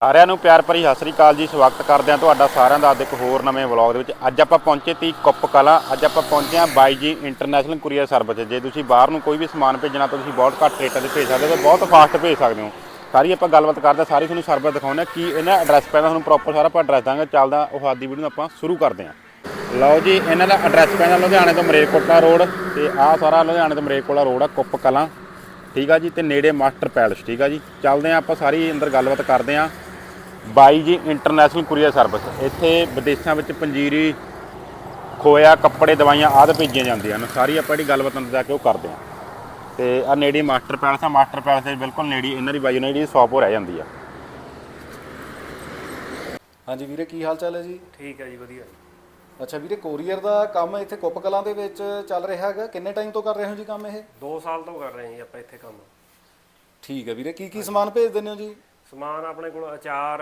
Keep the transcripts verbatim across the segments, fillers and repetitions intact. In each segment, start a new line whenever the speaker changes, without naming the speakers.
ਸਾਰਿਆਂ ਨੂੰ ਪਿਆਰ ਭਰੀ ਸਤਿ ਸ੍ਰੀ ਅਕਾਲ ਜੀ। ਸਵਾਗਤ ਕਰਦੇ ਹਾਂ ਤੁਹਾਡਾ ਸਾਰਿਆਂ ਦਾ ਅੱਜ ਇੱਕ ਹੋਰ ਨਵੇਂ ਵਲੌਗ ਦੇ ਵਿੱਚ। ਅੱਜ ਆਪਾਂ ਪਹੁੰਚੇ ਤੀ ਕੁੱਪ ਕਲਾਂ। ਅੱਜ ਆਪਾਂ ਪਹੁੰਚੇ ਹਾਂ ਬਾਈ ਜੀ ਇੰਟਰਨੈਸ਼ਨਲ ਕੁਰੀਅਰ ਸਰਵਿਸ। ਜੇ ਤੁਸੀਂ ਬਾਹਰ ਨੂੰ ਕੋਈ ਵੀ ਸਮਾਨ ਭੇਜਣਾ ਤਾਂ ਤੁਸੀਂ ਬਹੁਤ ਘੱਟ ਰੇਟਾਂ 'ਤੇ ਭੇਜ ਸਕਦੇ ਹੋ, ਬਹੁਤ ਫਾਸਟ ਭੇਜ ਸਕਦੇ ਹੋ। ਸਾਰੀ ਆਪਾਂ ਗੱਲਬਾਤ ਕਰਦੇ, ਸਾਰੀ ਤੁਹਾਨੂੰ ਸਰਵਿਸ ਦਿਖਾਉਂਦੇ ਕੀ ਇਹਨਾਂ ਐਡਰੈਸ ਪੈਂਦਾ, ਤੁਹਾਨੂੰ ਪ੍ਰੋਪਰ ਸਾਰਾ ਆਪਾਂ ਐਡਰੈਸ ਦਾਂਗੇ। ਚੱਲਦਾ ਉਹ ਆਦੀ ਵੀਡੀਓ ਨੂੰ ਆਪਾਂ ਸ਼ੁਰੂ ਕਰਦੇ ਹਾਂ। ਲਓ ਜੀ, ਇਹਨਾਂ ਦਾ ਐਡਰੈਸ ਪੈਂਦਾ ਲੁਧਿਆਣੇ ਤੋਂ ਮਰੇਕੋਟਲਾ ਰੋਡ, ਤੇ ਆਹ ਸਾਰਾ ਲੁਧਿਆਣੇ ਤੋਂ ਮਰੇਕੋਟਲਾ ਰੋਡ ਆ ਕੁੱਪ ਕਲਾਂ, ਠੀਕ ਆ ਜੀ। ਤੇ ਨੇੜੇ ਮਾਸਟਰ ਪੈਲਸ, ਠੀਕ ਆ ਜੀ। ਚੱਲਦੇ ਹਾਂ ਆਪਾਂ ਸਾਰੀ ਅੰਦਰ ਗੱਲਬਾਤ ਕਰਦੇ ਹਾਂ। ਬਾਈ ਜੀ ਇੰਟਰਨੈਸ਼ਨਲ ਕੁਰੀਅਰ ਸਰਵਿਸ। ਇੱਥੇ ਵਿਦੇਸ਼ਾਂ ਵਿੱਚ ਪੰਜੀਰੀ, ਖੋਇਆ, ਕੱਪੜੇ, ਦਵਾਈਆਂ ਆਦਿ ਭੇਜੀਆਂ ਜਾਂਦੀਆਂ ਹਨ। ਸਾਰੀ ਆਪਾਂ ਜਿਹੜੀ ਗੱਲਬਾਤ ਅੰਦਰ ਜਾ ਕੇ ਉਹ ਕਰਦੇ ਹਾਂ। ਤੇ ਆ ਨੇੜੇ ਮਾਸਟਰ ਪੈਲਸ ਆ, ਮਾਸਟਰ ਪੈਲਸ ਦੇ ਬਿਲਕੁਲ ਨੇੜੇ ਇਹਨਾਂ ਦੀ ਬਾਈ ਉਹਨਾਂ ਦੀ ਸ਼ੌਪ ਹੋ ਰਹਿ ਜਾਂਦੀ ਆ।
ਹਾਂਜੀ ਵੀਰੇ, ਕੀ ਹਾਲ ਚਾਲ ਹੈ ਜੀ?
ਠੀਕ ਹੈ ਜੀ, ਵਧੀਆ।
ਅੱਛਾ ਵੀਰੇ, ਕੋਰੀਅਰ ਦਾ ਕੰਮ ਇੱਥੇ ਕੁੱਪ ਕਲਾਂ ਦੇ ਵਿੱਚ ਚੱਲ ਰਿਹਾ ਹੈਗਾ, ਕਿੰਨੇ ਟਾਈਮ ਤੋਂ ਕਰ ਰਹੇ ਹੋ ਜੀ ਕੰਮ ਇਹ?
ਦੋ ਸਾਲ ਤੋਂ ਕਰ ਰਹੇ ਹਾਂ ਜੀ ਆਪਾਂ ਇੱਥੇ ਕੰਮ।
ਠੀਕ ਹੈ ਵੀਰੇ, ਕੀ ਕੀ ਸਮਾਨ ਭੇਜ ਦਿੰਦੇ ਹੋ ਜੀ?
ਸਮਾਨ ਆਪਣੇ ਕੋਲ ਅਚਾਰ,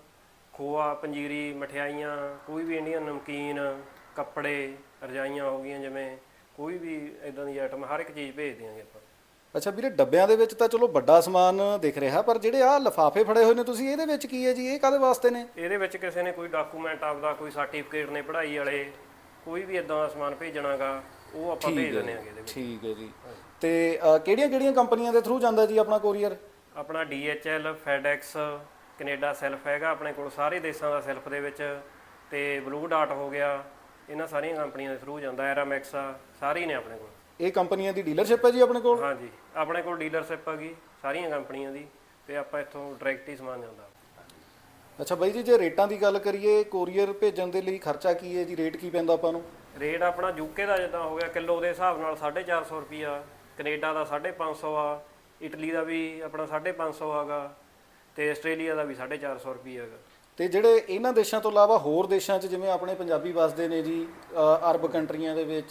ਖੋਆ, ਪੰਜੀਰੀ, ਮਠਿਆਈਆਂ, ਕੋਈ ਵੀ ਇੰਡੀਅਨ ਨਮਕੀਨ, ਕੱਪੜੇ, ਰਜਾਈਆਂ ਹੋ ਗਈਆਂ, ਜਿਵੇਂ ਕੋਈ ਵੀ ਇਦਾਂ ਦੀ ਆਈਟਮ ਹਰ ਇੱਕ ਚੀਜ਼ ਭੇਜ ਦਿਆਂਗੇ ਆਪਾਂ।
ਅੱਛਾ ਵੀਰੇ, ਡੱਬਿਆਂ ਦੇ ਵਿੱਚ ਤਾਂ ਚਲੋ ਵੱਡਾ ਸਮਾਨ ਦਿਖ ਰਿਹਾ, ਪਰ ਜਿਹੜੇ ਆਹ ਲਿਫਾਫੇ ਫੜੇ ਹੋਏ ਨੇ ਤੁਸੀਂ, ਇਹਦੇ ਵਿੱਚ ਕੀ ਹੈ ਜੀ? ਇਹ ਕਾਹਦੇ ਵਾਸਤੇ ਨੇ?
ਇਹਦੇ ਵਿੱਚ ਕਿਸੇ ਨੇ ਕੋਈ ਡਾਕੂਮੈਂਟ ਆਪਦਾ, ਕੋਈ ਸਰਟੀਫਿਕੇਟ ਨੇ ਪੜ੍ਹਾਈ ਵਾਲੇ, ਕੋਈ ਵੀ ਇਦਾਂ ਦਾ ਸਮਾਨ ਭੇਜਣਾਗਾ ਉਹ ਆਪਾਂ ਭੇਜ ਦਿੰਦੇ ਆਂਗੇ ਇਹਦੇ ਵਿੱਚ।
ਠੀਕ ਹੈ ਜੀ। ਤੇ ਕਿਹੜੀਆਂ ਕਿਹੜੀਆਂ ਕੰਪਨੀਆਂ ਦੇ ਥਰੂ ਜਾਂਦਾ ਜੀ ਆਪਣਾ ਕੋਰੀਅਰ?
ਆਪਣਾ D H L, FedEx, Canada self ਹੈਗਾ ਆਪਣੇ ਕੋਲ, ਸਾਰੇ ਦੇਸ਼ਾਂ ਦਾ ਸੈਲਫ ਦੇ ਵਿੱਚ, ਤੇ ਬਲੂ ਡਾਟ ਹੋ ਗਿਆ, ਇਹਨਾਂ ਸਾਰੀਆਂ ਕੰਪਨੀਆਂ ਦੇ ਥਰੂ ਜਾਂਦਾ। ਐਰਾਮੈਕਸ ਆ, ਸਾਰੇ ਹੀ ਨੇ ਆਪਣੇ ਕੋਲ।
ਇਹ ਕੰਪਨੀਆਂ ਦੀ ਡੀਲਰਸ਼ਿਪ ਹੈ ਜੀ ਆਪਣੇ ਕੋਲ?
ਹਾਂਜੀ, ਆਪਣੇ ਕੋਲ ਡੀਲਰਸ਼ਿਪ ਹੈਗੀ ਸਾਰੀਆਂ ਕੰਪਨੀਆਂ ਦੀ, ਤੇ ਆਪਾਂ ਇੱਥੋਂ ਡਾਇਰੈਕਟ ਹੀ ਸਮਾਨ ਜਾਂਦਾ।
ਅੱਛਾ ਬਾਈ ਜੀ, ਜੇ ਰੇਟਾਂ ਦੀ ਗੱਲ ਕਰੀਏ, ਕੋਰੀਅਰ ਭੇਜਣ ਦੇ ਲਈ ਖਰਚਾ ਕੀ ਹੈ ਜੀ? ਰੇਟ ਕੀ ਪੈਂਦਾ ਆਪਾਂ ਨੂੰ?
ਰੇਟ ਆਪਣਾ ਯੂਕੇ ਦਾ ਜਿੱਦਾਂ ਹੋ ਗਿਆ ਕਿਲੋ ਦੇ ਹਿਸਾਬ ਨਾਲ ਸਾਢੇ ਚਾਰ ਸੌ ਰੁਪਈਆ, ਕੈਨੇਡਾ ਦਾ ਸਾਢੇ ਪੰਜ ਸੌ ਆ, ਇਟਲੀ ਦਾ ਵੀ ਆਪਣਾ ਸਾਢੇ ਪੰਜ ਸੌ ਹੈਗਾ, ਤੇ ਆਸਟ੍ਰੇਲੀਆ ਦਾ ਵੀ ਸਾਢੇ ਚਾਰ ਸੌ ਰੁਪਈਆ ਹੈਗਾ।
ਤੇ ਜਿਹੜੇ ਇਹਨਾਂ ਦੇਸ਼ਾਂ ਤੋਂ ਇਲਾਵਾ ਹੋਰ ਦੇਸ਼ਾਂ 'ਚ ਜਿਵੇਂ ਆਪਣੇ ਪੰਜਾਬੀ ਵਸਦੇ ਨੇ ਜੀ, ਅਰਬ ਕੰਟਰੀਆਂ ਦੇ ਵਿੱਚ,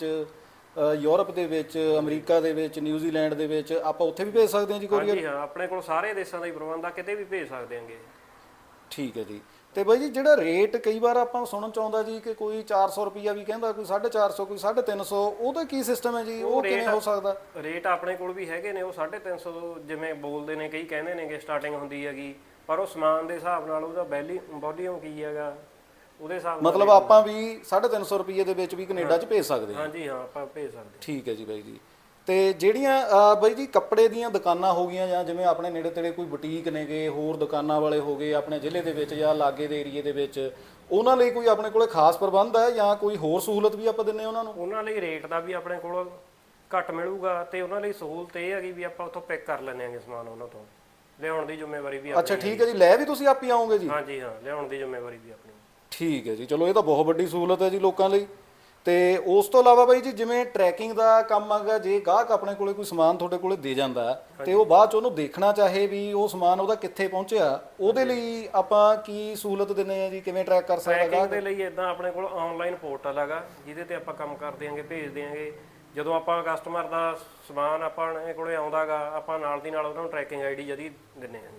ਯੂਰਪ ਦੇ ਵਿੱਚ, ਅਮਰੀਕਾ ਦੇ ਵਿੱਚ, ਨਿਊਜ਼ੀਲੈਂਡ ਦੇ ਵਿੱਚ, ਆਪਾਂ ਉੱਥੇ ਵੀ ਭੇਜ ਸਕਦੇ ਹਾਂ ਜੀ ਕੋਰੀਅਰ?
ਹਾਂਜੀ ਹਾਂ, ਆਪਣੇ ਕੋਲ ਸਾਰੇ ਦੇਸ਼ਾਂ ਦਾ ਹੀ ਪ੍ਰਬੰਧ ਆ, ਕਿਤੇ ਵੀ ਭੇਜ ਸਕਦੇ ਆਂਗੇ।
ਠੀਕ ਹੈ ਜੀ। ਤੇ ਬਾਈ ਜੀ, ਜਿਹੜਾ ਰੇਟ ਕਈ ਵਾਰ ਆਪਾਂ ਸੁਣਨ ਚ ਆਉਂਦਾ ਜੀ ਕਿ ਕੋਈ ਚਾਰ ਸੌ ਰੁਪਈਆ ਵੀ ਕਹਿੰਦਾ, ਕੋਈ ਸਾਢੇ ਚਾਰ ਸੌ, ਕੋਈ ਸਾਢੇ ਤਿੰਨ ਸੌ, ਉਹਦਾ ਕੀ ਸਿਸਟਮ ਹੈ ਜੀ? ਉਹ ਕਿਵੇਂ ਹੋ ਸਕਦਾ?
ਰੇਟ ਆਪਣੇ ਕੋਲ ਵੀ ਹੈਗੇ ਨੇ, ਉਹ ਸਾਢੇ ਤਿੰਨ ਸੌ ਜਿਵੇਂ ਬੋਲਦੇ ਨੇ, ਕਈ ਕਹਿੰਦੇ ਨੇ ਕਿ ਸਟਾਰਟਿੰਗ ਹੁੰਦੀ ਹੈਗੀ, ਪਰ ਉਹ ਸਮਾਨ ਦੇ ਹਿਸਾਬ ਨਾਲ ਉਹਦਾ ਵੈਲੀ ਵੋਲੀਅਮ ਕੀ ਹੈਗਾ ਉਹਦੇ ਹਿਸਾਬ ਨਾਲ। ਮਤਲਬ
ਆਪਾਂ ਵੀ ਸਾਢੇ ਤਿੰਨ ਸੌ ਰੁਪਈਏ ਦੇ ਵਿੱਚ ਵੀ ਕੈਨੇਡਾ 'ਚ ਭੇਜ ਸਕਦੇ ਹਾਂ?
ਹਾਂਜੀ ਹਾਂ, ਆਪਾਂ ਭੇਜ ਸਕਦੇ।
ਠੀਕ ਹੈ ਜੀ ਬਾਈ ਜੀ। ਤੇ ਜਿਹੜੀਆਂ ਬਾਈ ਜੀ ਕੱਪੜੇ ਦੀਆਂ ਦੁਕਾਨਾਂ ਹੋ ਗਈਆਂ, ਜਾਂ ਜਿਵੇਂ ਆਪਣੇ ਨੇੜੇ ਤੇੜੇ ਕੋਈ ਬੁਟੀਕ ਨੇਗੇ, ਹੋਰ ਦੁਕਾਨਾਂ ਵਾਲੇ ਹੋ ਗਏ ਆਪਣੇ ਜ਼ਿਲ੍ਹੇ ਦੇ ਵਿੱਚ ਜਾਂ ਲਾਗੇ ਦੇ ਏਰੀਏ ਦੇ ਵਿੱਚ, ਉਹਨਾਂ ਲਈ ਕੋਈ ਆਪਣੇ ਕੋਲੇ ਖਾਸ ਪ੍ਰਬੰਧ ਹੈ ਜਾਂ ਕੋਈ ਹੋਰ ਸਹੂਲਤ ਵੀ ਆਪਾਂ ਦਿੰਨੇ ਉਹਨਾਂ ਨੂੰ?
ਉਹਨਾਂ ਲਈ ਰੇਟ ਦਾ ਵੀ ਆਪਣੇ ਕੋਲ ਘੱਟ ਮਿਲੂਗਾ, ਤੇ ਉਹਨਾਂ ਲਈ ਸਹੂਲਤ ਇਹ ਹੈਗੀ ਵੀ ਆਪਾਂ ਉੱਥੋਂ ਪਿਕ ਕਰ ਲੈਂਦੇ ਆਂਗੇ ਸਮਾਨ, ਉਹਨਾਂ ਤੋਂ ਲਿਆਉਣ ਦੀ ਜ਼ਿੰਮੇਵਾਰੀ ਵੀ ਆਪਣੀ।
ਅੱਛਾ ਠੀਕ ਹੈ ਜੀ, ਲੈ ਵੀ ਤੁਸੀਂ ਆਪ ਹੀ ਆਓਗੇ ਜੀ?
ਹਾਂਜੀ ਹਾਂ, ਲਿਆਉਣ ਦੀ ਜ਼ਿੰਮੇਵਾਰੀ ਵੀ ਆਪਣੀ।
ਠੀਕ ਹੈ ਜੀ, ਚਲੋ ਇਹ ਤਾਂ ਬਹੁਤ ਵੱਡੀ ਸਹੂਲਤ ਹੈ ਜੀ ਲੋਕਾਂ ਲਈ। ਤੇ ਉਸ ਤੋਂ ਇਲਾਵਾ ਬਾਈ ਜੀ, ਜਿਵੇਂ ਟਰੈਕਿੰਗ ਦਾ ਕੰਮ ਹੈਗਾ, ਜੇ ਗਾਹਕ ਆਪਣੇ ਕੋਲੇ ਕੋਈ ਸਮਾਨ ਤੁਹਾਡੇ ਕੋਲੇ ਦੇ ਜਾਂਦਾ ਤੇ ਉਹ ਬਾਅਦ ਚ ਉਹਨੂੰ ਦੇਖਣਾ ਚਾਹੇ ਵੀ ਉਹ ਸਮਾਨ ਉਹਦਾ ਕਿੱਥੇ ਪਹੁੰਚਿਆ, ਉਹਦੇ ਲਈ ਆਪਾਂ ਕੀ ਸਹੂਲਤ ਦਿੰਦੇ ਆ ਜੀ? ਕਿਵੇਂ ਟਰੈਕ ਕਰ ਸਕਦਾ
ਟਰੈਕਿੰਗ ਦੇ ਲਈ ਇਦਾਂ ਆਪਣੇ ਕੋਲ ਆਨਲਾਈਨ ਪੋਰਟਲ ਹੈਗਾ, ਜਿਹਦੇ ਤੇ ਆਪਾਂ ਕੰਮ ਕਰ ਦਿਆਂਗੇ, ਭੇਜ ਦਿਆਂਗੇ। ਜਦੋਂ ਆਪਾਂ ਕਸਟਮਰ ਦਾ ਸਮਾਨ ਆਪਣੇ ਕੋਲੇ ਆਉਂਦਾਗਾ, ਆਪਾਂ ਨਾਲ ਦੀ ਨਾਲ ਉਹਨਾਂ ਨੂੰ ਟਰੈਕਿੰਗ ਆਈਡੀ ਜਦੀ ਦਿੰਦੇ ਹਾਂ ਜੀ।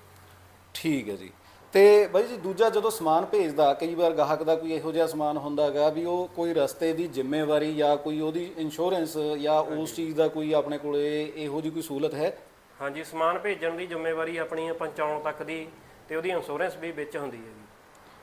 ਠੀਕ ਹੈ ਜੀ। ਤੇ ਬਾਈ ਜੀ, ਦੂਜਾ ਜਦੋਂ ਸਮਾਨ ਭੇਜਦਾ, ਕਈ ਵਾਰ ਗਾਹਕ ਦਾ ਕੋਈ ਇਹੋ ਜਿਹਾ ਸਮਾਨ ਹੁੰਦਾ ਹੈਗਾ ਵੀ ਉਹ ਕੋਈ ਰਸਤੇ ਦੀ ਜ਼ਿੰਮੇਵਾਰੀ ਜਾਂ ਕੋਈ ਉਹਦੀ ਇੰਸ਼ੋਰੈਂਸ ਜਾਂ ਉਸ ਚੀਜ਼ ਦਾ ਕੋਈ ਆਪਣੇ ਕੋਲੇ ਇਹੋ ਜਿਹੀ ਕੋਈ ਸਹੂਲਤ ਹੈ?
ਹਾਂਜੀ, ਸਮਾਨ ਭੇਜਣ ਦੀ ਜ਼ਿੰਮੇਵਾਰੀ ਆਪਣੀ ਪਹੁੰਚਾਉਣ ਤੱਕ ਦੀ, ਤੇ ਉਹਦੀ ਇੰਸ਼ੋਰੈਂਸ ਵੀ ਵਿੱਚ ਹੁੰਦੀ ਹੈ ਜੀ।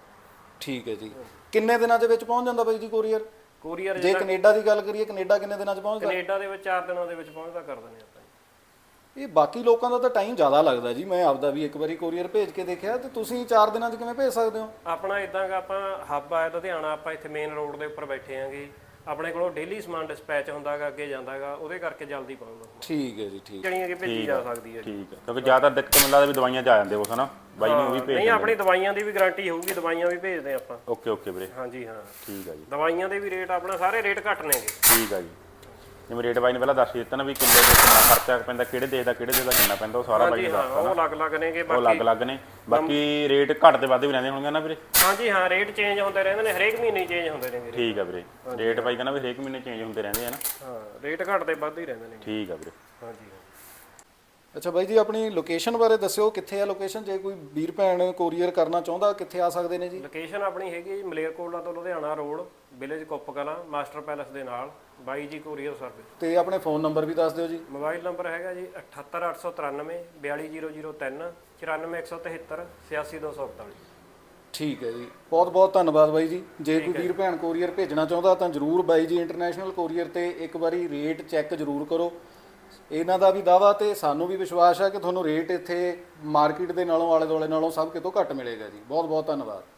ਠੀਕ ਹੈ ਜੀ। ਕਿੰਨੇ ਦਿਨਾਂ ਦੇ ਵਿੱਚ ਪਹੁੰਚ ਜਾਂਦਾ ਬਾਈ ਜੀ ਕੋਰੀਅਰ?
ਕੋਰੀਅਰ
ਜੇ ਕੈਨੇਡਾ ਦੀ ਗੱਲ ਕਰੀਏ, ਕੈਨੇਡਾ ਕਿੰਨੇ ਦਿਨਾਂ 'ਚ ਪਹੁੰਚਦਾ?
ਕੈਨੇਡਾ ਦੇ ਵਿੱਚ ਚਾਰ ਦਿਨਾਂ ਦੇ ਵਿੱਚ ਪਹੁੰਚਦਾ ਕਰ ਦਿੰਦੇ ਆਪਾਂ।
ਇਹ ਬਾਕੀ ਲੋਕਾਂ ਦਾ ਤਾਂ ਟਾਈਮ ਜ਼ਿਆਦਾ ਲੱਗਦਾ ਜੀ, ਮੈਂ ਆਪਦਾ ਵੀ ਇੱਕ ਵਾਰੀ ਕੋਰੀਅਰ ਭੇਜ ਕੇ ਦੇਖਿਆ, ਤੇ ਤੁਸੀਂ ਚਾਰ ਦਿਨਾਂ 'ਚ ਕਿਵੇਂ ਭੇਜ ਸਕਦੇ ਹੋ?
ਆਪਣਾ ਇਦਾਂ ਗਾ, ਆਪਾਂ ਹੱਬ ਆ ਲੁਧਿਆਣਾ, ਆਪਾਂ ਇੱਥੇ ਮੇਨ ਰੋਡ ਦੇ ਉੱਪਰ ਬੈਠੇ ਆਂਗੇ, ਆਪਣੇ ਕੋਲੋਂ ਡੇਲੀ ਸਮਾਨ ਡਿਸਪੈਚ ਹੁੰਦਾਗਾ, ਅੱਗੇ ਜਾਂਦਾਗਾ, ਉਹਦੇ ਕਰਕੇ ਜਲਦੀ ਪਹੁੰਚਦਾ।
ਠੀਕ ਹੈ ਜੀ, ਠੀਕ।
ਜਿਹੜੀਆਂ ਕਿ ਭੇਜੀ ਜਾ ਸਕਦੀ ਹੈ।
ਠੀਕ ਹੈ, ਕਿਉਂਕਿ ਜ਼ਿਆਦਾ ਦਿੱਕਤ ਮੈਨੂੰ ਲੱਗਦਾ ਵੀ ਦਵਾਈਆਂ 'ਚ ਆ ਜਾਂਦੇ ਉਸ ਹਨਾ ਬਾਈ ਨੂੰ ਵੀ ਭੇਜ।
ਨਹੀਂ, ਆਪਣੀ ਦਵਾਈਆਂ ਦੀ ਵੀ ਗਾਰੰਟੀ ਹੋਊਗੀ, ਦਵਾਈਆਂ ਵੀ ਭੇਜਦੇ ਆਪਾਂ।
ਓਕੇ ਓਕੇ ਵੀਰੇ।
ਹਾਂਜੀ ਹਾਂ,
ਠੀਕ ਹੈ ਜੀ।
ਦਵਾਈਆਂ ਦੇ ਵੀ ਰੇਟ ਆਪਣਾ ਸਾਰੇ ਰੇਟ ਘੱਟ ਨੇਗੇ।
ਠੀਕ ਹੈ ਜੀ। ਜਿਵੇਂ ਰੇਟ ਬਾਈ ਨੇ ਪਹਿਲਾਂ ਦੱਸ ਦਿੱਤਾ ਨਾ ਵੀ ਕਿੱਲੇ ਦੇ ਕਿੰਨਾ ਖਰਚਾ ਪੈਂਦਾ, ਕਿਹੜੇ ਦੇਸ਼ ਦਾ ਕਿਹੜੇ ਦੇਸ਼ ਦਾ ਕਿੰਨਾ ਪੈਂਦਾ, ਉਹ ਸਾਰਾ ਬਾਈ ਨੇ ਦੱਸਤਾ।
ਉਹ ਅਲੱਗ-ਅਲੱਗ ਨੇਗੇ,
ਉਹ ਅਲੱਗ-ਅਲੱਗ ਨੇ। ਬਾਕੀ ਰੇਟ ਘੱਟ ਤੇ ਵੱਧ ਵੀ ਰਹਿੰਦੇ ਹੋਣਗੇ ਨਾ ਵੀਰੇ?
ਹਾਂਜੀ ਹਾਂ, ਰੇਟ ਚੇਂਜ ਹੁੰਦੇ ਰਹਿੰਦੇ ਨੇ, ਹਰੇਕ ਮਹੀਨੇ ਚੇਂਜ ਹੁੰਦੇ ਨੇ ਵੀਰੇ।
ਠੀਕ ਹੈ ਵੀਰੇ। ਰੇਟ ਬਾਈ ਕਹਿੰਦਾ ਵੀ ਹਰੇਕ ਮਹੀਨੇ ਚੇਂਜ ਹੁੰਦੇ ਰਹਿੰਦੇ ਆ ਨਾ?
ਹਾਂ, ਰੇਟ ਘੱਟ ਤੇ ਵੱਧ ਹੀ ਰਹਿੰਦੇ ਨੇ।
ਠੀਕ ਹੈ ਵੀਰੇ।
ਹਾਂਜੀ।
ਅੱਛਾ ਬਾਈ ਜੀ, ਆਪਣੀ ਲੋਕੇਸ਼ਨ ਬਾਰੇ ਦੱਸਿਓ, ਕਿੱਥੇ ਆ ਲੋਕੇਸ਼ਨ? ਜੇ ਕੋਈ ਵੀਰ ਭੈਣ ਕੋਰੀਅਰ ਕਰਨਾ ਚਾਹੁੰਦਾ, ਕਿੱਥੇ ਆ ਸਕਦੇ ਨੇ ਜੀ?
ਲੋਕੇਸ਼ਨ ਆਪਣੀ ਹੈਗੀ ਮਲੇਰਕੋਟਲਾ ਤੋਂ Ludhiana road, village Kup Kalan, Master Palace ਦੇ ਨਾਲ। ਬਾਈ ਜੀ ਕੋਰੀਅਰ ਸਰਵਿਸ।
ਤੇ ਆਪਣੇ ਫੋਨ ਨੰਬਰ ਵੀ ਦੱਸ ਦਿਓ ਜੀ।
ਮੋਬਾਈਲ ਨੰਬਰ ਹੈਗਾ ਜੀ ਅਠੱਤਰ ਅੱਠ ਸੌ ਤਰਾਨਵੇਂ ਬਿਆਲੀ ਜ਼ੀਰੋ ਜ਼ੀਰੋ ਤਿੰਨ ਚੁਰਾਨਵੇਂ ਇੱਕ ਸੌ ਤਹੇਤਰ ਛਿਆਸੀ ਦੋ ਸੌ ਇਕਤਾਲੀ।
ਠੀਕ ਹੈ ਜੀ, ਬਹੁਤ ਬਹੁਤ ਧੰਨਵਾਦ ਬਾਈ ਜੀ। ਜੇ ਕੋਈ ਵੀਰ ਭੈਣ ਕੋਰੀਅਰ ਭੇਜਣਾ ਚਾਹੁੰਦਾ ਤਾਂ ਜਰੂਰ ਬਾਈ ਜੀ ਇੰਟਰਨੈਸ਼ਨਲ ਕੋਰੀਅਰ ਤੇ ਇੱਕ ਵਾਰੀ ਰੇਟ ਚੈੱਕ ਜਰੂਰ ਕਰੋ। ਇਹਨਾਂ ਦਾ ਵੀ ਦਾਵਾ ਤੇ ਸਾਨੂੰ ਵੀ ਵਿਸ਼ਵਾਸ ਹੈ ਕਿ ਤੁਹਾਨੂੰ ਰੇਟ ਇੱਥੇ ਮਾਰਕੀਟ ਦੇ ਨਾਲੋਂ ਆਲੇ ਦੁਆਲੇ ਨਾਲੋਂ ਸਭ ਕਿਤੋਂ ਘੱਟ ਮਿਲੇਗਾ ਜੀ। ਬਹੁਤ ਬਹੁਤ ਧੰਨਵਾਦ।